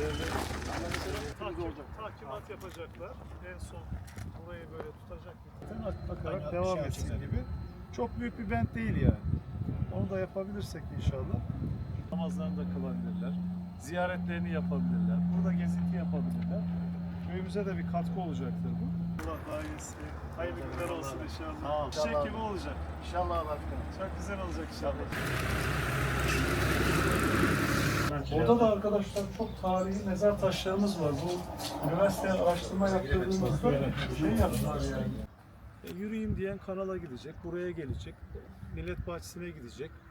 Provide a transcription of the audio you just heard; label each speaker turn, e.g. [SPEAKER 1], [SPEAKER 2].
[SPEAKER 1] Takimat yapacaklar. En son burayı böyle tutacak. Bakarak devam etsin gibi. Çok büyük bir bent değil yani. Onu da yapabilirsek inşallah. Namazlarını da kılabilirler. Ziyaretlerini yapabilirler. Burada gezinti yapabilirler. Köyümüze de bir katkı olacaktır bu. Allah daha iyisi. Hayırlı günler olsun inşallah. Çiçek gibi olacak.
[SPEAKER 2] İnşallah başkanım.
[SPEAKER 1] Çok güzel olacak inşallah. Burada da arkadaşlar çok tarihi mezar taşlarımız var. Bu üniversiteye araştırma yaptırdığımızda şey yaptılar yani. Yürüyeyim diyen kanala gidecek, buraya gelecek, millet bahçesine gidecek.